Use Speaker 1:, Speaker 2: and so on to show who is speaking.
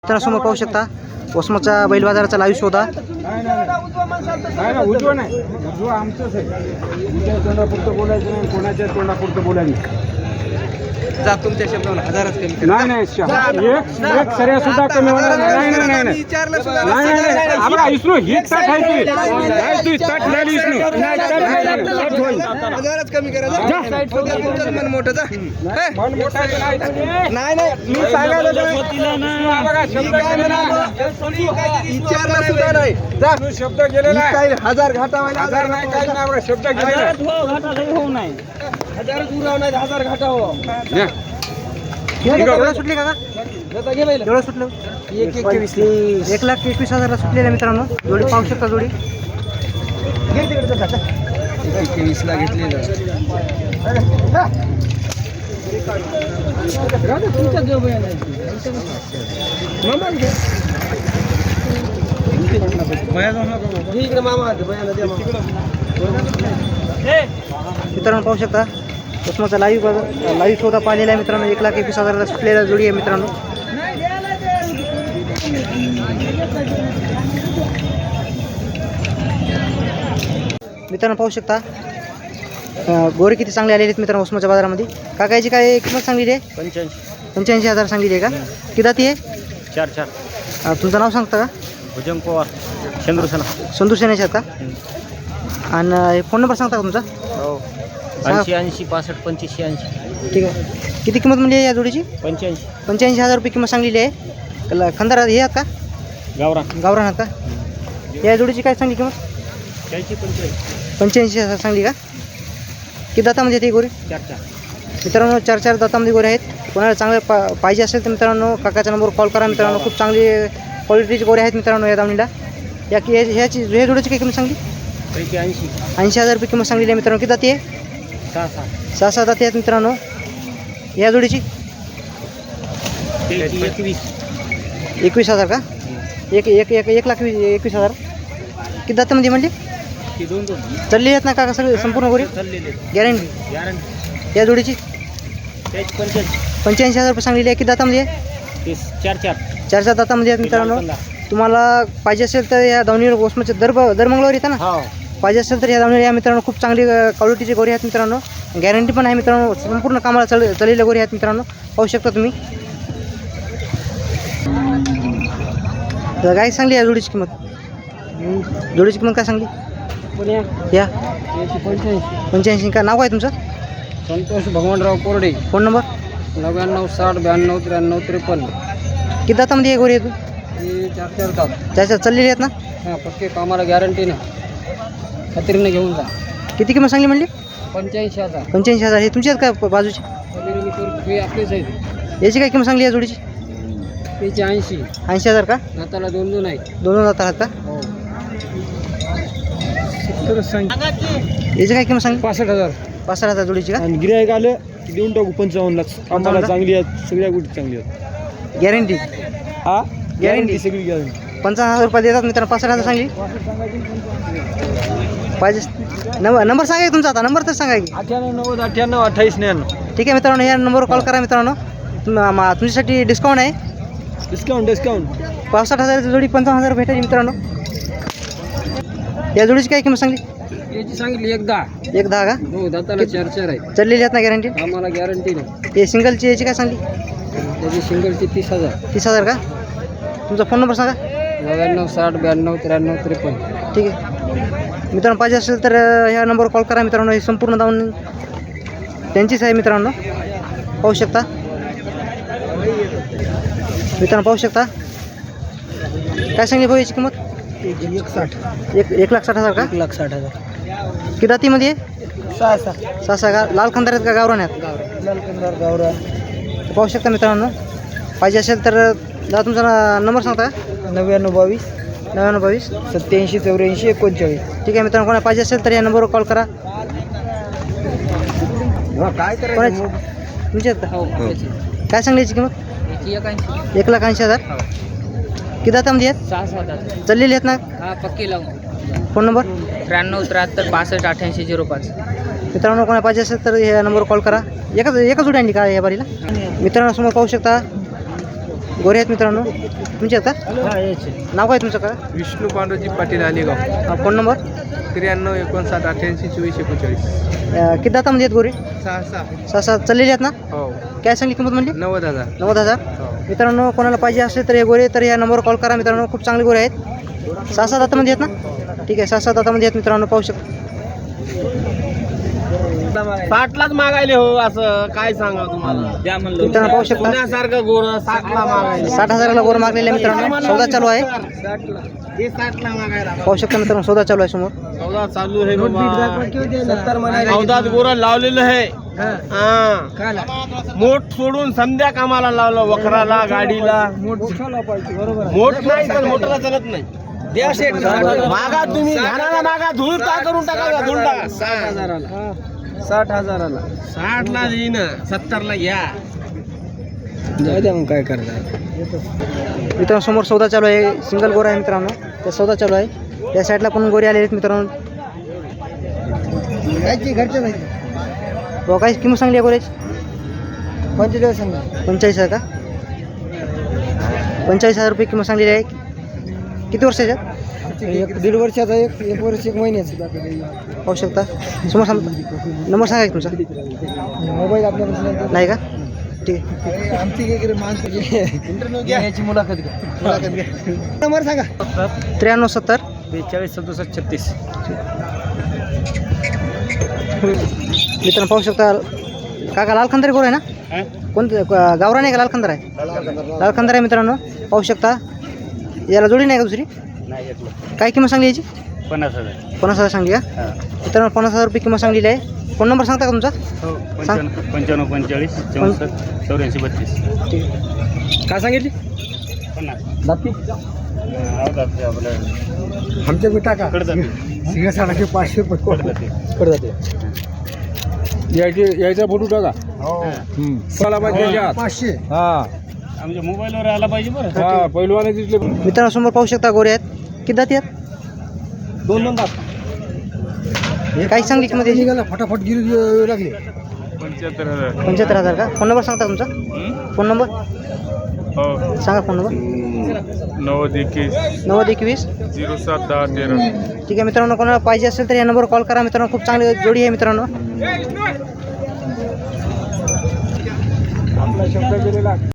Speaker 1: समोर पाहू शकता वसमतचा बैल बाजाराचा लाईव्ह शोधा.
Speaker 2: उजवा नाही, उजवा आमचंच आहे. तुमच्या तोंडापुरतं बोलायचं नाही, कोणाच्या तोंडापुरतं बोलायचं
Speaker 3: जा तुमच्या शब्दाला हजारच कमी करा.
Speaker 2: नाही. एक सऱ्या सुद्धा कमी होणार नाही.
Speaker 3: विचारलं सुद्धा
Speaker 2: आम्हाला इसरो ही ताट आहे तू ताट झाली इसरो
Speaker 3: हजारच कमी करा. जा तुमचं मन मोठं जा. नाही मी सांगायला विचारला सुद्धा नाही. जा
Speaker 2: शब्द गेलेला आहे.
Speaker 3: काय हजार घाटावायला
Speaker 2: हजार नाही, काही नाही, शब्द गेलेला आहे.
Speaker 3: हजारच उराव नाही, हजार घाटावं.
Speaker 1: एवढं सुटले का? एवढं सुटलं 1,21,000 सुटलेलं आहे मित्रांनो. जोडी पाहू शकता जोडी
Speaker 3: 21 ला घेतलेलं.
Speaker 1: मित्रांनो पाहू शकता वसमतचा लाईव्ह शोधा पाहिलेला आहे मित्रांनो. 1,21,000 सुटलेला जोडी आहे मित्रांनो. मित्रांनो पाहू शकता गोरे किती चांगले आलेले आहेत मित्रांनो वसमतच्या बाजारामध्ये. काकायची काय किंमत सांगली आहे? 85,000 सांगली आहे का? किती दाती आहे?
Speaker 4: 4
Speaker 1: तुमचं नाव सांगता का?
Speaker 4: भुजंग पवार
Speaker 1: संतोष सेनेचे आहेत का? आणि फोन नंबर सांगता का तुमचा?
Speaker 4: हो
Speaker 1: सांगा.
Speaker 4: 80 65 25 80.
Speaker 1: ठीक आहे. किती किंमत म्हणली आहे या जोडीची? 85,000 रुपये किंमत सांगलेली आहे. खंदार हे आहेत का? गावरान आहेत का? या जोडीची काय सांगली किंमत? 85,000 सांगली का? किती दातामध्ये येते गोरे?
Speaker 4: 4
Speaker 1: मित्रांनो 4 दातामध्ये गोरे आहेत. कोणाला चांगले पाहिजे असेल तर मित्रांनो काकाच्या नंबरवर कॉल करा मित्रांनो. खूप चांगली क्वालिटीचे गोरे आहेत मित्रांनो या दामणीला. ह्या जोडीची काय किंमत सांगली? 80,000 रुपये किंमत सांगलेली आहे मित्रांनो. किती दाती आहे? 6 दाती आहेत मित्रांनो. या जोडीची 21,000 का? 1,21,000. किती दातामध्ये म्हणले? चालली आहेत ना काका सगळे संपूर्ण गोरी? गॅरंटी. या जोडीची 85,000 रुपये सांगलेली आहे. किती दातामध्ये आहे? 4 दातामध्ये आहेत मित्रांनो. तुम्हाला पाहिजे असेल तर या दावणीवर वसमतचे दर मंगळवारी येतं ना. पाहिजे असेल तर या दावणीवर या मित्रांनो. खूप चांगली क्वालिटीची गोरी आहेत मित्रांनो. गॅरंटी पण आहे मित्रांनो. संपूर्ण कामाला चाललेल्या गोरी आहेत मित्रांनो. पाहू शकता तुम्ही. काय सांगली या जोडीची किंमत? जोडीची किंमत काय सांगली? या 85 का? नाव काय तुमचं?
Speaker 2: संतोष भगवानराव कोरडे.
Speaker 1: Phone number?
Speaker 2: 99 60 92 93 53.
Speaker 1: किती दातामध्ये आहे गोरी आहे तू?
Speaker 2: हे 4 तास.
Speaker 1: त्याच्यात चाललेली आहेत ना?
Speaker 2: हां, पक्के कामाला गॅरंटी ना. खात्रीने घेऊन जा.
Speaker 1: किती किंमत सांगली म्हणली?
Speaker 2: 85,000.
Speaker 1: 85,000. हे तुमची आहेत का बाजूची?
Speaker 2: हे आपलेच आहेत.
Speaker 1: याची काय किंमत सांगली या जोडीची?
Speaker 2: त्याची 80.
Speaker 1: 80,000 का?
Speaker 2: दाताला 2 आहेत.
Speaker 1: 2 दाता आहेत का?
Speaker 2: हो.
Speaker 1: याची काय किंमत सांगली?
Speaker 2: 65,000.
Speaker 1: 65,000 जोडीची का?
Speaker 2: आणि गिरायक आलं की देऊन टाकू 55 लाख. आम्हाला चांगली आहेत, सगळ्या गोष्टी चांगली आहेत.
Speaker 1: गॅरंटी.
Speaker 2: हा
Speaker 1: गॅरंटी
Speaker 2: सगळी गॅरंटी.
Speaker 1: 55,000 रुपये देतात मित्रांनो. 65,000 सांगली पाहिजे. नंबर सांगा की तुमचा आता. नंबर तर सांगा की.
Speaker 2: 98 90 98 28 99.
Speaker 1: ठीक आहे मित्रांनो. या नंबरवर कॉल करा मित्रांनो. तुमच्यासाठी डिस्काउंट आहे.
Speaker 2: डिस्काउंट
Speaker 1: 65,000 जोडी 55,000 भेटायची मित्रांनो. या जोडीची काय किंमत सांगली?
Speaker 2: याची सांगितली 10.
Speaker 1: 10 का?
Speaker 2: हो, दाताला 4 आहेत.
Speaker 1: चाललेली आहेत ना गॅरंटी?
Speaker 2: आम्हाला गॅरंटी नाही.
Speaker 1: हे सिंगलची याची काय सांगली?
Speaker 2: त्याची सिंगलची 30,000.
Speaker 1: 30,000 का? तुमचा फोन नंबर सांगा.
Speaker 2: 99 60 92 93 53.
Speaker 1: ठीक आहे मित्रांनो. पाहिजे असेल तर ह्या नंबरवर कॉल करा मित्रांनो. हे संपूर्ण जाऊन त्यांचीच आहे मित्रांनो. पाहू शकता मित्रांनो. पाहू शकता. काय सांगली भाऊ याची किंमत? 1,60,000 का?
Speaker 2: 1,60,000.
Speaker 1: किती दातीमध्ये आहे? 6 का? लाल खंदार आहेत का गावरान आहेत?
Speaker 2: गावरा.
Speaker 1: पाहू शकता मित्रांनो. पाहिजे असेल तर दादा तुमचा नंबर सांगता का?
Speaker 2: 99
Speaker 1: 99
Speaker 2: 22 87 84 39.
Speaker 1: ठीक आहे मित्रांनो. कोणा पाहिजे असेल तर या नंबरवर कॉल करा.
Speaker 2: काय
Speaker 1: कोणाची? तुमची आहेत का? काय सांगली याची किंमत? 1,80,000. किती दातामध्ये आहेत?
Speaker 2: 6
Speaker 1: चाललेली आहेत ना?
Speaker 2: हा, पक्की लावून.
Speaker 1: Phone number?
Speaker 2: 93 73 65 88 05.
Speaker 1: मित्रांनो कोणा पाहिजे असेल तर या नंबरवर कॉल करा. एकच जोडी आणली का या बारीला? मित्रांनो समोर पाहू शकता गोरे आहेत मित्रांनो. तुमचे आहेत का?
Speaker 4: हा याचे
Speaker 1: नाव काय तुमचं का?
Speaker 3: विष्णू पांडुजी पाटील आलेगाव.
Speaker 1: Phone number?
Speaker 3: 93 59 88 24 41.
Speaker 1: किती दातामध्ये आहेत गोरे?
Speaker 3: 6
Speaker 1: सहा सात चाललेले आहेत ना?
Speaker 3: हो
Speaker 1: काय सांगली किंमत म्हणली?
Speaker 3: 90,000.
Speaker 1: 90,000. मित्रांनो कोणाला पाहिजे असेल तर हे गोरे तर या नंबरवर कॉल करा मित्रांनो. खूप चांगले गोरे आहेत. 6-7 दातामध्ये आहेत ना? ठीक आहे 6-7 दातामध्ये आहेत मित्रांनो. पाहू शकता.
Speaker 3: 60लाच मागायले हो असं काय सांगा तुम्हाला द्या म्हणलं.
Speaker 1: मित्रांनो पाहू शकता
Speaker 3: पुण्यासारखं गोर 60ला मागायले.
Speaker 1: 60,000ला गोर मागलेले आहे मित्रांनो. सौदा चालू आहे.
Speaker 3: 60ला हे 60ला मागायला
Speaker 1: पाहू शकता मित्रांनो सौदा चालू आहे समोर.
Speaker 3: सौदा चालू आहे बाबा. सौदात गोर लावलेलं आहे. हा मोठ सोडून संध्या कामाला लावलं. वखराला गाडीला मोठ नाही तर मोठला चालत नाही. द्या शेठ मागा तुम्ही घाणाला मागा धूळ का करून टाका. धूळ टाका 60,000ला. 60,000ला 60ला येईन 70ला घ्या. मग काय करता
Speaker 1: मित्रांनो समोर सौदा चालू आहे. सिंगल गोरा आहे मित्रांनो. त्या सौदा चालू आहे. त्या साईडला पण गोरे आलेले आहेत मित्रांनो. हो काय किंमत सांगली आहे गोऱ्याची? 45,000 का? 45,000 रुपये किंमत सांगलेली आहे. किती वर्षाच्या?
Speaker 2: 1.5 वर्षाचा, 1 वर्ष 1 महिन्याचा.
Speaker 1: पाहू शकता समोर नंबर सांगा की तुमचा?
Speaker 2: मोबाईल आपल्याकडे
Speaker 1: नाही का? ठीक आहे.
Speaker 2: आमची माणसं याची मुलाखत घ्या. नंबर सांगा.
Speaker 1: 93 70
Speaker 4: 42 67 36.
Speaker 1: मित्रांनो पाहू शकता काका लाल खंदारी गोर आहे ना? कोणतं गावरान आहे का लाल खंदार आहे? लाल खंदार आहे मित्रांनो. पाहू शकता याला जोडी नाही का दुसरी? काय किंमत सांगली याची?
Speaker 4: 50,000.
Speaker 1: 50,000 सांगली का? मित्रांनो 50,000 रुपये किंमत सांगलेली आहे. फोन नंबर सांगता का तुमचा?
Speaker 4: हो 95 45 64 84 32.
Speaker 1: ठीक आहे.
Speaker 2: काय सांगितली?
Speaker 4: 50.
Speaker 2: आमच्या टाका सिंहासारखे 500 रुपये यायचा फोटो टाका. चला पाहिजे 500. हा
Speaker 4: आमच्या मोबाईलवर आला पाहिजे बरं.
Speaker 2: हा पहिलवाने दिसले.
Speaker 1: मित्रांनो समोर पाहू शकता गोरे आहेत. किती दाती आहेत?
Speaker 2: 2 दात.
Speaker 1: काय सांगली किंमत याची?
Speaker 2: निघाला फटाफट गिरी लागले.
Speaker 3: 75,000.
Speaker 1: 75,000 का? फोन नंबर सांगता तुमचा? फोन नंबर
Speaker 3: हो
Speaker 1: सांगा. Phone number
Speaker 3: 9021
Speaker 1: 9021.
Speaker 3: 07 10 13.
Speaker 1: ठीक आहे मित्रांनो कोणाला पाहिजे असेल तर या नंबरवर कॉल करा मित्रांनो. खूप चांगली जोडी आहे मित्रांनो.
Speaker 2: आपला शब्द केलेला